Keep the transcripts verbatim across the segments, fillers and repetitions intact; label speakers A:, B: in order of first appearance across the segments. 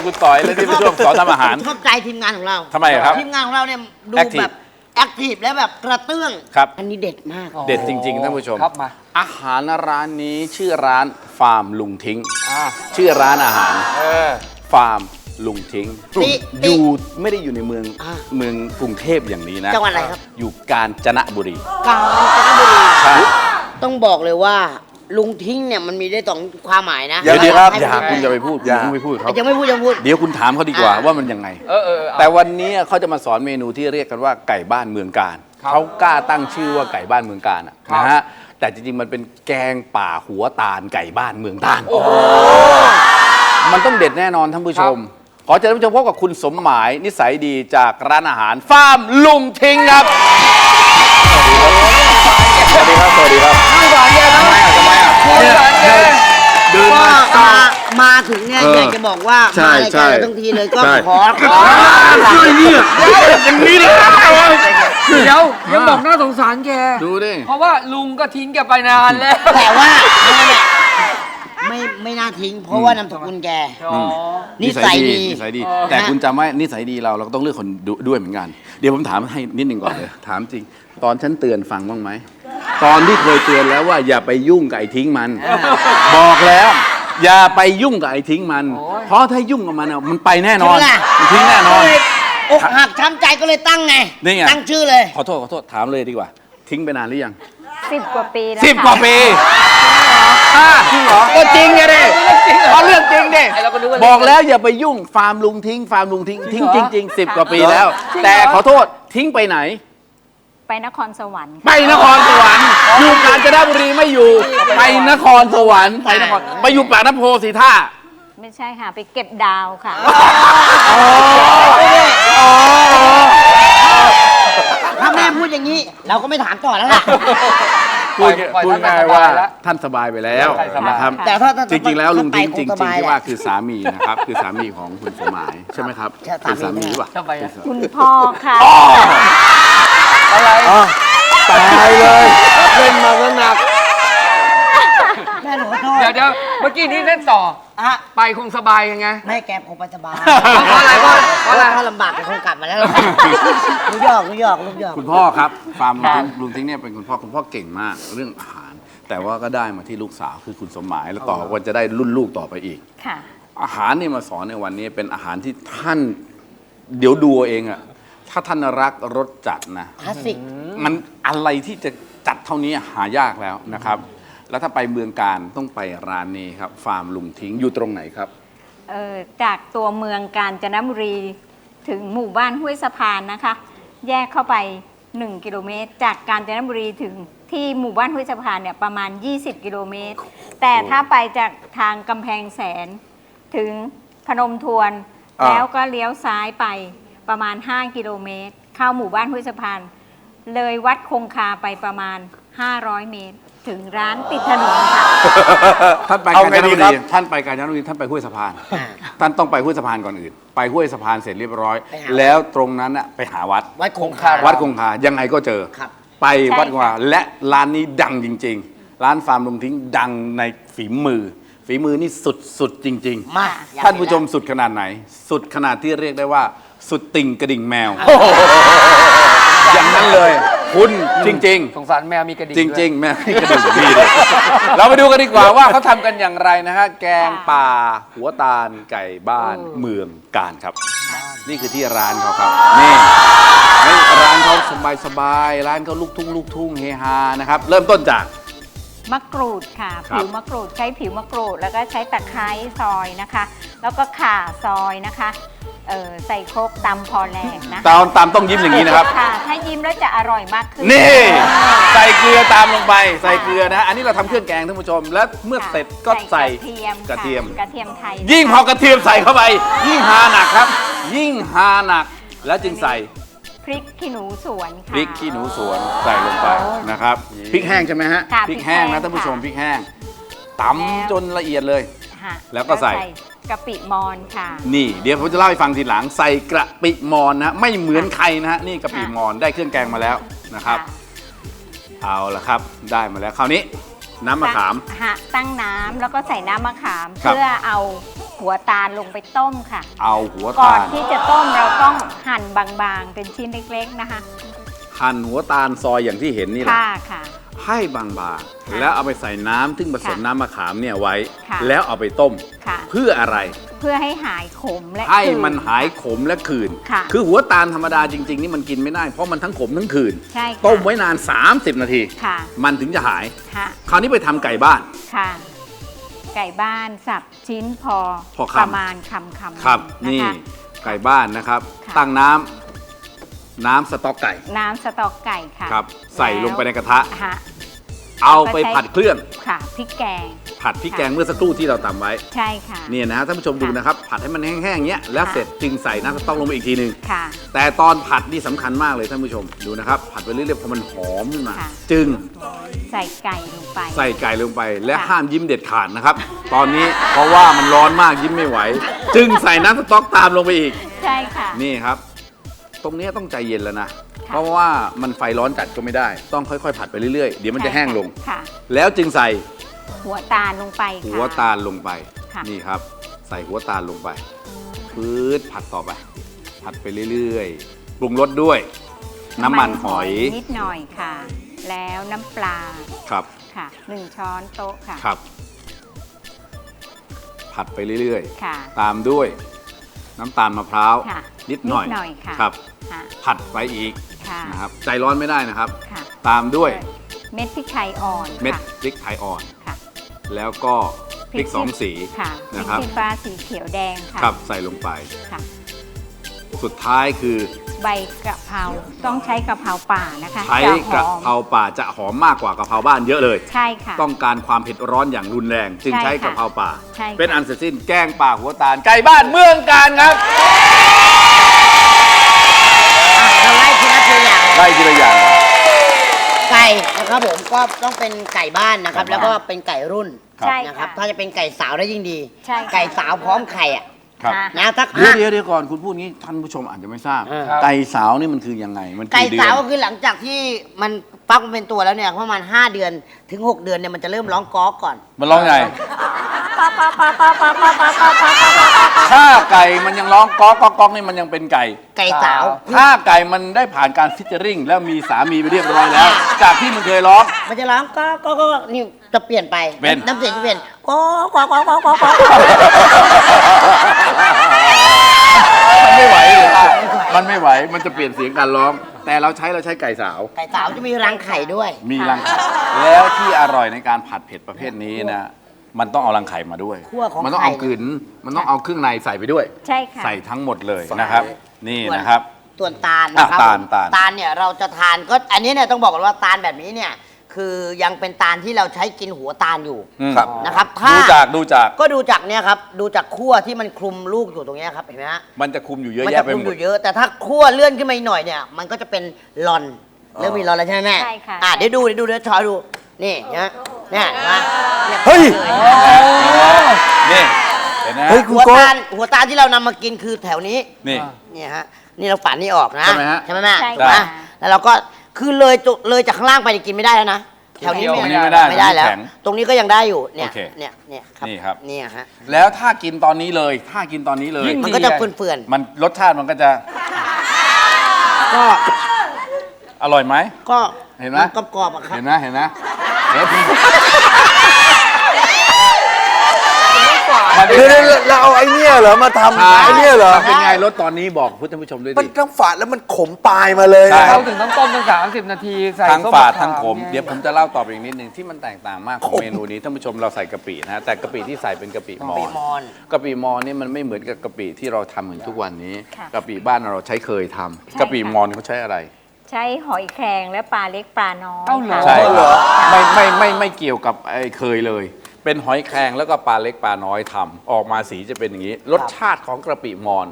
A: คุณต่อยและที่เป็นช่วงสอนทำอาหาร
B: ชอบใจทีมงานของเรา
A: ทำไมครับ
B: ทีมงานของเราเนี่ยดูแบบแอคทีฟและแบบกระเตื้อง
A: ครับ
B: อันนี้เด็ดมาก
A: เด็ดจริงๆท่านผู้ชม
C: ครับมา
A: อาหารร้านนี้ชื่อร้านฟาร์มลุงทิ้งชื่อร้านอาหารฟาร์มลุงทิ้งอยู่ไม่ได้อยู่ในเมืองเมืองกรุงเทพอย่างนี้นะ
B: จังหวัดอะไรครับ
A: อยู่กาญจนบุรี
B: กาญจนบุรีต้องบอกเลยว่าลุงทิ้งเนี่ยมันมีได้สองความหมายนะ
A: เดี๋ยวเดี๋ยวครับอย่าคุณจะไปพูดอย่าไปพูดเขา
B: ยังไม่พูดยังพูด
A: เดี๋ยวคุณถามเขาดีกว่าว่ามันยังไงแต่วันนี้เขาจะมาสอนเมนูที่เรียกกันว่าไก่บ้านเมืองการเขากล้าตั้งชื่อว่าไก่บ้านเมืองการนะฮะแต่จริงๆมันเป็นแกงป่าหัวตาลไก่บ้านเมืองตาลมันต้องเด็ดแน่นอนท่านผู้ชมขอเชิญท่านผู้ชมพบกับคุณสมหมายนิสัยดีจากร้านอาหารฟาร์มลุงทิ้งครับสวัสดีครับสวัสดีครับ
C: ไม่หวานแย่นะ
A: ทำไมอ่ะทำไมอ่ะ
B: เดินมามาถึงเนี่ยอยากจะบอกว่ามาในการเราทั้งทีเลยก็ขอ
A: ช่วยเนี่ยอย่างนี้เลย
C: เดี๋ยวยังบอกน่าสงสารแก
A: ดูดิ
C: เพราะว่าลุงก็ทิ้งแกไปนานแล้ว
B: แต่ว่าไม่ไม่น่าทิ้งเพราะว่านามสกุลแกนิสัยดี
A: นิสัยดีแต่คุณจำไว้นิสัยดีเราเราก็ต้องเลือกคนด้วยเหมือนกันเดี๋ยวผมถามให้นิดหนึ่งก่อนเลยถามจริงตอนฉันเตือนฟังบ้างไหมตอนที่เคยเตือนแล้วว่าอย่าไปยุ่งกับไอ้ทิ้งมันบอกแล้วอย่าไปยุ่งกับไอ้ทิ้งมันเพราะถ้ายุ่งกับมันมันไปแน่นอนมันทิ้งแน่นอน
B: อกหักช้ำใจก็เลยตั้งไงตั้งชื่อเลย
A: ขอโทษขอโทษถามเลยดีกว่าทิ้งไปนานหรือยัง
D: สิบกว่าปีแล้ว
A: สิบกว่าปีจริงเหรอก็จริงไงดิเพราะเรื่องจริงดิบอกแล้วอย่าไปยุ่งฟาร์มลุงทิ้งฟาร์มลุงทิ้งทิ้งจริงๆสิบกว่าปีแล้วแต่ขอโทษทิ้งไปไหน
D: ไปนครสวรรค์
A: ไปนครสวรรค์อยู่กาญจนบุรีไม่อยู่ไปนครสวรรค์ไปนครไปอยู่ปากน้ำโพสีท่า
D: ไม่ใช่ค่ะไปเก็บดาวค่ะ
B: ถ้าแม่พูดอย่างนี้เราก็ไม่ถามต่อแล้วล่ะ
A: พูดพูดง่ายว่าท่านสบายไปแล้วนะครับจริงๆแล้วลุงทิ้งจริงๆที่ว่าคือสามีนะครับคือสามีของคุณสมหมายใช่ไหมครับเป็นสามีหรือเปล่า
D: คุณพ่อค่ะ
C: อะไร
A: ตายเลยเล่นมาก็หนัก
B: แม่หนูขอโทษ
C: เดี๋ยวเดี๋ยวเมื่อกี้นี้เล่นต่อไปคงสบายยังไง
B: แม่แกคงไปสบาย
C: เพราะอะไรเพราะอะไร
B: ถ้าลำบากแกคงกลับมาแล้วลูกหยอกลูกหยอกลูกหยอก
A: คุณพ่อครับฟาร์มลุงทิ้งเนี่ยเป็นคุณพ่อคุณพ่อเก่งมากเรื่องอาหารแต่ว่าก็ได้มาที่ลูกสาวคือคุณสมหมายแล้วต่อวันจะได้รุ่นลูกต่อไปอีกอาหารนี่มาสอนในวันนี้เป็นอาหารที่ท่านเดี๋ยวดูเองอะถ้าท่านรักรสจัดนะ
B: คลาสสิก
A: มันอะไรที่จะจัดเท่านี้หายากแล้วนะครับแล้วถ้าไปเมืองการต้องไปร้านนี้ครับฟาร์มลุงทิ้งอยู่ตรงไหนครับ
D: เออจากตัวเมืองกาญจนบุรีถึงหมู่บ้านห้วยสะพานนะคะแยกเข้าไปหนึ่งกิโลเมตรจากกาญจนบุรีถึงที่หมู่บ้านห้วยสะพานเนี่ยประมาณยี่สิบกิโลเมตรแต่ถ้าไปจากทางกำแพงแสนถึงพนมทวนแล้วก็เลี้ยวซ้ายไปประมาณห้ากิโลเมตรเข้าหมู่บ้านห้วยสะพานเลยวัดคงคาไปประมาณห้าร้อยเมตรถึงร้านติดถนนค่ะ
A: ท่านไปกาญจนบุรีท่านไปกาญจนบุรีท่านไปห้วยสะพานท่านต้องไปห้วยสะพานก่อนอื่นไปห้วยสะพานเสร็จเรียบร้อยแล้วตรงนั้นอะไปหาวัด
B: วัดคงคา
A: วัดคงคายังไงก็เจอไปวัดคงคาและร้านนี้ดังจริงๆร้านฟาร์มลุงทิ้งดังในฝีมือฝีมือนี่สุดๆจริงๆมากท่านผู้ชมสุดขนาดไหนสุดขนาดที่เรียกได้ว่าสุดติ่งกระดิ่งแมวอย่างนั้นเลยคุณจริงๆ
C: สงสารแมวมีกระดิ่ง
A: จริงๆแมวมีกระดิ่งดีเลยเราไปดูกันดีกว่าว่าเขาทำกันอย่างไรนะฮะแกงป่าหัวตาลไก่บ้านเมืองการครับนี่คือที่ร้านเขาครับนี่ร้านเขาสบายๆร้านเขาลูกทุ่งลูกทุ่งเฮฮานะครับเริ่มต้นจาก
D: มะกรูดค่ะผิวมะกรูดใช้ผิวมะกรูดแล้วก็ใช้ตะไคร้ซอยนะคะแล้วก็ข่าซอยนะคะเออใส่โครกตำพอแรงนะ
A: ตามตามต้องยิ้มอย่างนี้นะครับ
D: ค่ะถ้ายิ้มแล้วจะอร่อยมากขึ้น
A: นี่ใส่เกลือตามลงไปใส่เกลือนะอันนี้เราทำเครื่องแกงท่านผู้ชมแล้วเมื่อเสร็จก็ใส่
D: กระเทียม
A: กระเทียม
D: กระเทียมไทย
A: ยิ่งพอกระเทียมใส่เข้าไปยิ่งฮาหนักครับยิ่งฮาหนักแล้วจึงใส่
D: พริกขี้หนูสวนค่ะ
A: พริกขี้หนูสวนใส่ลงไปนะครับพริกแห้งใช่ไหมฮะพริกแห้งนะท่านผู้ชมพริกแห้งตำจนละเอียดเลยแล้วก็ใส่
D: กะปิมอนค่ะ
A: นี่เดี๋ยวผมจะเล่าให้ฟังทีหลังใส่กะปิมอนนะไม่เหมือนใครนะฮะนี่กะปิมอนได้เครื่องแกงมาแล้วนะครับเอาละครับได้มาแล้วคราวนี้น้ำมะขาม
D: ฮะตั้งน้ำแล้วก็ใส่น้ำมะขามเพื่อเอาหัวตาลลงไปต้มค่ะ
A: เอาหัว
D: ก่อ
A: ตาน ล
D: ที่จะต้มเราต้องหั่นบางๆ เป็นชิ้นเล็กๆนะคะ
A: หั่นหัวตาลซอยอย่างที่เห็นนี่แหละ
D: ค่ะค่ะ
A: ให้บางๆแล้วเอาไปใส่น้ำซึ่งผสม
D: ค่ะ
A: น้ำมะขามเนี่ยไว้
D: ค่ะ
A: แล้วเอาไปต้ม
D: ค่ะ
A: เพื่ออะไร
D: เพื่อให้หายขมและ
A: ให้
D: คืน
A: มันหายขมและขื่น
D: ค่ะ
A: คือหัวตาลธรรมดาจริง ๆ นี่มันกินไม่ได้เพราะมันทั้งขมทั้งขื่น
D: ใช่ค่ะ
A: ต้มไว้นาน สามสิบ นาที
D: ค่ะ
A: มันถึงจะหาย
D: ค่ะ
A: คราวนี้ไปทำไก่บ้าน
D: ค่ะ ไก่บ้านสับชิ้นพอ
A: พอคำ
D: ประมาณคำคำ
A: ครับ
D: นะ
A: นี่
D: คะ
A: ไก่บ้านนะครับ
D: ค่ะ
A: ตั้งน้ำน้ำสต๊อกไก่
D: น้ำสต๊อกไก่ค่ะ
A: ครับ ใส่ลงไปในกระทะ
D: ฮะ
A: เอาไปผัดเครื่อง
D: ค่ะพริกแกง
A: ผัดพริกแกงเมื่อสักครู่ที่เราตำไว้
D: ใช่ค่ะ
A: เนี่ยนะฮะท่านผู้ชมดูนะครับ ผัดให้มันแห้งๆอย่างเงี้ยแล้ว
D: ค่ะ
A: เสร็จจึงใส่น้ำสต๊อกลงไปอีกทีหนึ่ง
D: ค่ะ
A: แต่ตอนผัดนี่สำคัญมากเลยท่านผู้ชมดูนะครับ ผัดไปเรื่อยๆพอมันหอมขึ้นมา
D: ค่ะ
A: จึง
D: ใส่ไก่ลงไป
A: ใส่ไก่ลงไปและ
D: ค่ะ
A: ห้ามยิ้มเด็ดขาดนะครับ ตอนนี้เพราะว่ามันร้อนมากยิ้มไม่ไหว จึงใส่น้ำสต๊อกตามลงไปอีก
D: ใช่ค่ะ
A: นี่ครับ ตรงนี้ต้องใจเย็นแล้วนะ
D: ค่ะ
A: เพราะว่ามันไฟร้อนจัดก็ไม่ได้ ต้องค่อยๆ ผัดไปเรื่อยๆ เดี๋ยวมันจะแห้งลง
D: ค่ะ
A: แล้วจึงใส่
D: หัวตาลลงไปค่ะ
A: หัวตาลลงไป
D: ค่ะ
A: นี่ครับ ใส่หัวตาลลงไปพืดผัดต่อไป ผัดไปเรื่อยๆ ปรุงรสด้วย น้ำมันหอย
D: นิดหน่อยค่ะ แล้วน้ำปลา
A: ครับ
D: ค่ะหนึ่งช้อนโต๊ะค่ะ
A: ครับ ผัดไปเรื่อย
D: ค่ะ
A: ๆ ตามด้วย น้ำตาลมะพร้าว
D: ค่ะ
A: นิดหน่อย
D: นิดหน่อยค่ะ
A: ครับ
D: ค่ะ
A: ผัดไปอีก
D: ค่ะ
A: นะครับ ใจร้อนไม่ได้นะครับ
D: ค่ะ
A: ตามด้วย
D: เม็ดพริกไทยอ่อน
A: เม็ด
D: ค่ะ
A: พริกไทยอ่อน
D: ค่ะ
A: แล้วก็พริกสองสี
D: ค่ะพริ
A: นะ
D: ก
A: ครับ
D: ชี้ฟ้าสีเขียวแดงค่ะ
A: ครับใส่ลงไป
D: ค่ะ
A: สุดท้ายคือ
D: ใบกะเพราต้องใช้กะเพราป่านะคะ
A: ใช้
D: จะห
A: กระ
D: อม
A: เพราป่าจะหอมมากกว่ากะเพราบ้านเยอะเลย
D: ใช่ค่ะ
A: ต้องการความเผ็ดร้อนอย่างรุนแรง จึง
D: ใช่
A: ใช้
D: ค่ะ
A: กะเพราป่า
D: ใช่ค่ะ
A: เป็นอันเสร็จสิ้นแกงป่าหัวตาลไก่บ้านเมืองการครับ
B: เราไล่ทีละตัวอย่าง
A: ไล่ทีละอย่างก่อน
B: ไก่นะครับผมก็ต้องเป็นไก่บ้านนะครับ
A: ไก่
B: แล้ว
A: บ้าน
B: ก็เป็นไก่รุ่น
D: ใช่
B: นะครับ
D: ค่ะ
B: ถ้าจะเป็นไก่สาวได้ยิ่งดี
D: ใช่ค่ะ
B: ไก่สาวพร้อมไข่อ่ะ
A: ครับ
D: ค่ะ
B: นะถ้า
A: เดี๋ยวเดี๋ยวเดี๋ยวก่อนคุณพูดงี้ท่านผู้ชมอาจจะไม่ทราบ
B: เออ
A: ไก่สาวนี่มันคือยังไงมัน
B: ไก่
A: กี่เดือ
B: สาวน ก็คือหลังจากที่มันฟักมันเป็นตัวแล้วเนี่ยประมาณห้าเดือนถึงหกเดือนเนี่ยมันจะเริ่มร้องก๊อกก่อน
A: มันร้องไงถ้าไก่มันยังร้องก๊อกก๊อกก๊อกนี่มันยังเป็นไก่
B: ไก่สาว
A: ถ้าไก่มันได้ผ่านการฟิชเจอริงแล้วมีสามีไปเรียบร้อยแล้ว จากที่มันเคยร้อง
B: มันจะร้องก๊อกก๊อกก๊อกนี่จะเปลี่ยนไป
A: เป็น
B: น้ำเสียงจะเปลี่ยนก๊อกก๊อกก๊อกก๊อกก๊อกก๊อก
A: มันไม่ไหวเลยค่ะมันไม่ไหว มันจะเปลี่ยนเสียงการร้อง แต่เราใช้เราใช้ไก่สาว
B: ไก่สาวจะมีรังไข่ด้วย
A: มีรังไข่แล้วที่อร่อยในการผัดเผ็ดประเภทนี้นะ มันต้องเอารังไข่มาด้วย
B: คั่วของ
A: มันต้องเอา
B: ไข่
A: กลืนมันต้องเอาเครื่องในใส่ไปด้วย
D: ใช่ค่ะ
A: ใส่ทั้งหมดเลยนะครับ นี่นะครับ
B: ส่วนตาลนะครับ
A: อ่ะตาลตาล
B: ตาลเนี่ยเราจะทานก็อันนี้เนี่ยต้องบอกก่อนว่าตาลแบบนี้เนี่ยคือยังเป็นตาลที่เราใช้กินหัวตาลอยู่
A: อืม
B: นะครับถ้า
A: ดูจากดูจาก
B: ก็ดูจากเนี่ยครับดูจากขั้วที่มันคลุมลูกอยู่ตรงเนี้ยครับเห็นไหมฮะ
A: มันจะคุมอยู่เยอะ
B: มั
A: แยะ
B: จะ
A: ไป
B: คลุม
A: หม
B: อ
A: ด
B: ยู่เยอะ แต่ถ้าขั้วเลื่อนขึ้นมาอีกหน่อยเนี่ยมันก็จะเป็นลอนเริ่มมีลอนแล้วใช่ไหมแม่
D: ใช่ค่ะ
B: อ่ะเดี๋ยวดูเดี๋ยวดูเดี๋ยวชอยดูนี่นะเนี่ยเห็นไหมนี่
A: เฮ้ย นี่เห็นไหม
B: เฮ้ยหัวตาลหัวตาลที่เรานำมากินคือแถวนี้
A: นี่
B: เนี่ยฮะนี่เราฝันนี่ออกนะ
A: ใช่ไหมฮะ
B: ใช่ไหมแม่
D: ใช่
B: ถูกไหม
D: ค่ะ
B: แล้วเราก็คือเลยจุเลยจากข้างล่างไปเนี่ยกินไม่ได้แล้วนะแถวนี้
A: ตรงนี้ไม่ได้
B: ไม่ได้แล้ว
A: ตรงนี้แข็ง
B: ตรงนี้ก็ยังได้อยู่เนี่ย
A: โอเค
B: เนี่ยเนี่ยครับ
A: นี่ครับ
B: เนี่ยฮะ
A: แล้วถ้ากินตอนนี้เลย ถ้ากินตอนนี้เลย
C: ยิ่ง
B: มัน
C: ดี
B: ก็จะ
C: เลย
B: เฟื่อน
A: มันรสชาติมันก็จะ
B: ๆก็
A: อร่อยไหม
B: ก็
A: เห็นไหม
B: กรอบๆอะครับ
A: เห็นไหมเห็นไหมเห็นไหม
E: เดี๋ยวๆเราเอาไอ้เนี่ยเหรอมาทำไอ้เนี่ยเหรอ
A: เป็นไงรสตอนนี้บอกท่านผู้ชมด้วย
E: มัน
A: ดิ
E: ทั้งฝาดแล้วมันขมปลายมาเลย
A: ใช่
E: นะครับ
C: เราถึงต้องต้มตั้งสามสิบนาทีใส่
A: ทั้ง
C: ส้ม
A: ฝาด
C: มะข
A: ทั้งขม
C: ไ
A: เดี๋ยวผมจะเล่าต่อไปอีกนิดนึงที่มันแตกต่างมากของเมนูนี้ท่านผู้ชมเราใส่กะปินะฮะแต่กะปิที่ใส่เป็นกะปิมอ
B: ปี
A: ญ
B: มอน
A: กะปิมอญนี่มันไม่เหมือนกับกะปิที่เราทำเหมือนทุกวันนี้
D: ค่ะ
A: กะปิบ้านเราใช้เคยทำ
D: ใช่
A: กะปิมอญเขาใช้อะไร
D: ใช้หอยแครงและปลาเล็กปลาน้อย
C: เอ้าเหรอ
D: ค่ะ
A: ใช่ครับไม่ไม่ไม่ไม่เกี่ยวกับไอ้เคยเลย เป็นหอยแครงแล้วก็ปลาเล็กปลาน้อยทำออกมาสีจะเป็นอย่างนี้ รสชาติของกะปิมอญ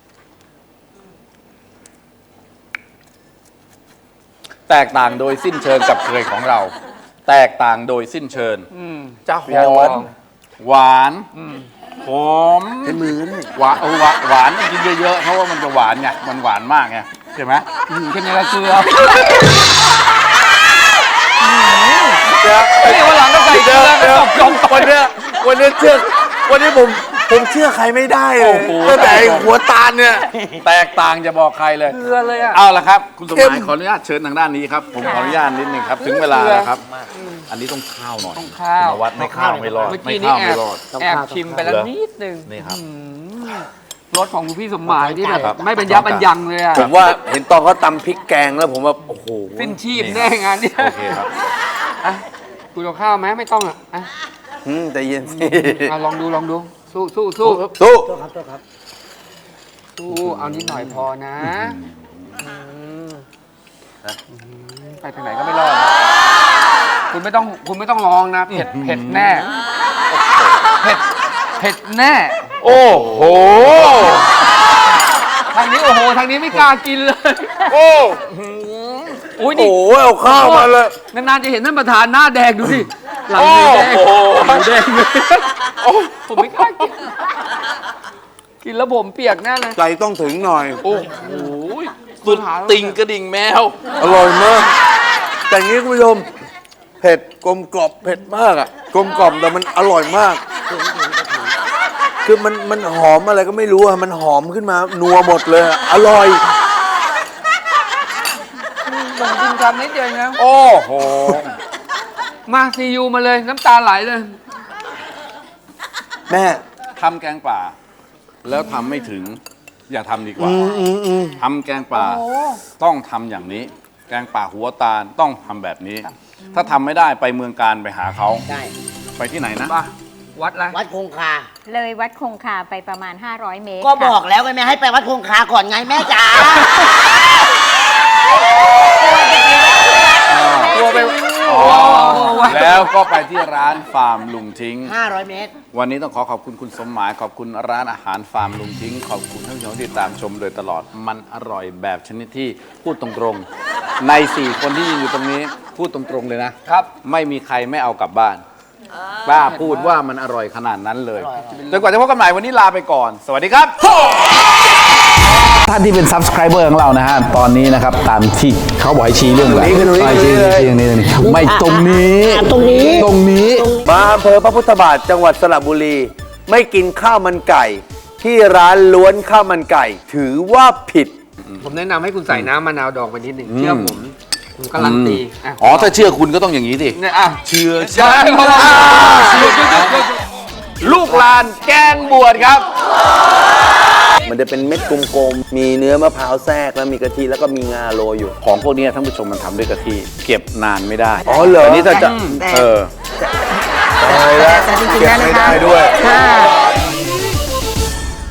A: แตกต่างโดยสิ้นเชิงกับเคยของเรา แตกต่างโดยสิ้นเชิง
C: อืม
A: จะห
C: อยาก
A: อ
C: ลอ
A: ม
C: ง
A: หวานหอม
E: ใช้มือนี่
A: หวานเออหวานหวานต้องกินเยอะๆเพราะว่ามันจะหวานไงมันหวานมากไงใช่ไหม
C: อืมแค่นี้ละเกลือ
E: เดี๋ยว
C: นี่วันหลังก็ใส่เกลือก็ตบจม
E: วันเนี้ยวันนี้เชื่อวันนี้ผมผมเชื่อใครไม่ได้เลยตั้งแต่ไอ้หัวตาลเนี่ย
A: แตกต่างจะบอกใครเลย
C: เกลือเลยอ่ะ
A: เอาละครับ คุณสมห
E: เข้
A: มาย
E: ม
A: ขออนุญาตเชิญทางด้านนี้ครับ ผมขออนุญาตนิดนึงครับ ถึงเวลาแล้วครับ อันนี้ต้องข้าวหน่อย
C: ต้องข้าว
A: คุณนวัดไม่ข้าวไม่รอด
C: เมื่อ
A: ไม่
C: กี้นี่
A: ข้าว
C: แอ
A: ไม่
C: บ
A: รอด
C: แอบชิมไปแล้ว
A: เหรอ
C: นิดนึง
A: นี่ครับ
C: รสของคุณพี่สมหมายที่แบบ
A: ครับ
C: ไม่เป็นยับเป็นยังเลยอ่ะ
E: ผมว่าเห็นตอนเขาตำพริกแกงแล้วผมว่า โอ้โห
C: สิ้นชีพแน่งานเนี่ย
A: โอเคครับ
C: อ่ะคุณเอาข้าวไหมไม่ต้องอ่ะอ่ะ
E: อืมแต่เย็นสิ
C: อ่ะลองดูลองดูสู้สู้สู้
E: สู้
C: สู้เอานิดหน่อยพอนะอืมไปทางไหนก็ไม่รอดนะคุณไม่ต้องคุณไม่ต้องลองนะเผ็ดเผ็ดแน่เผ็ดเผ็ดแน่
A: โอ้โห
C: ทางนี้โอ้โหทางนี้ไม่กล้ากินเลย
E: โอ้
C: อุ้ย
E: โห
C: นี่
E: เอาข้าวมาเลย
C: นานๆจะเห็นท่านประธานหน้าแดงดูสิหลังมือแดง
E: โอ้โห
C: หลังแดงเลยผมไม่กล้ากินกินแล้วผมเปียกแน่เลย
E: ใจต้องถึงหน่อย
A: โอ้โหสุดติ่งกระดิ่งแมว
E: อร่อยมาก แต่อย่างนี้คุณผู้ชม เผ็ดกลมกรอบเผ็ดมากอ่ะ กลมกล่อมแต่มันอร่อยมาก คือมันมันหอมอะไรก็ไม่รู้อะมันหอมขึ้นมา นัวหมดเลยอะอร่อย
C: ผมกินคำนิดเดียวเองนะ
A: โอ้โห
C: มาซียูมาเลยน้ำตาไหลเลย
E: แม่
A: ทำแกงป่า แล้วทำไม่ถึง อย่าทำดีกว่า
E: อืมอืมอืม
A: ทำแกงป่าต้องทำอย่างนี้ แกงป่าหัวตาลต้องทำแบบนี้ ถ้าทำไม่ได้ไปเมืองการไปหาเขา
B: ได้
A: ไปที่ไหนนะ
C: ป่ะ วัดอะไร
B: วัดคงคา
D: เลยวัดคงคาไปประมาณ ห้าร้อย เมตร
B: ก็บ
D: ค่ะ
B: อกแล้วไงแม่ให้ไปวัดคงคาก่อนไงแม่จ๋า
C: ตัวไป
A: อ๋อแล้วก็ไปที่ร้านฟาร์มลุงทิ้ง
B: ห้าร้อยเมตร
A: วันนี้ต้องขอขอบคุณคุณสมหมาย ขอบคุณร้านอาหารฟาร์มลุงทิ้ง ขอบคุณท่านผู้ชมที่ตามชมโดยตลอด มันอร่อยแบบชนิดที่พูดตรงๆ ในสี่คนที่ยืนอยู่ตรงนี้พูดตรงๆเลยนะ
C: ครับ
A: ไม่มีใครไม่เอากลับบ้านกล้าพูดว่ามันอร่อยขนาดนั้นเลยจนกว่าจะพบกันใหม่วันนี้ลาไปก่อน สวัสดีครับ ท่านที่เป็น subscriber ของเรานะฮะ ตอนนี้นะครับ ตามที่เขาบอกให้ชี้เรื่องอะไร
E: ตรงนี้คือตรงนี้
A: ไม่ชี้
E: เลย
A: ชี้ตรงนี้ตรงนี้ไม่ตรงนี้
B: อ่ะตรงนี้
A: ตรงนี้
E: มาอำเภอพระพุทธบาทจังหวัดสระบุรี ไม่กินข้าวมันไก่ ที่ร้านล้วนข้าวมันไก่ ถือว่าผิด
C: ผมแนะนำให้คุณใส่น้ำมะนาวดองไปนิดหนึ่งเชื่อผมผมการันตีะ
A: อ๋อ ถ้าเชื่อคุณก็ต้องอย่างนี้สิ
C: เนี่ยอ่ะ
A: เชื่อ
C: ใช่
A: ฉัน
C: ครับ
A: ลูกลานแกงบวชครับ
E: มันจะเป็นเม็ดกลมๆ มีเนื้อมะพร้าวแทรกแล้วมีกะทิแล้วก็มีงาโรยอยู่
A: ของพวกนี้ท่านผู้ชมมันทำด้วยกะทิเก็บนานไม่ได้
E: อ๋อเหรอ
A: นนี้ถ้าจะ
B: แต่
A: เออ
E: ตายแล้ว
B: แต่จริงๆ
E: เก็บ
B: แล้วนะ
E: ไม่
B: คะ
E: ได้ด้วย
B: ถ้า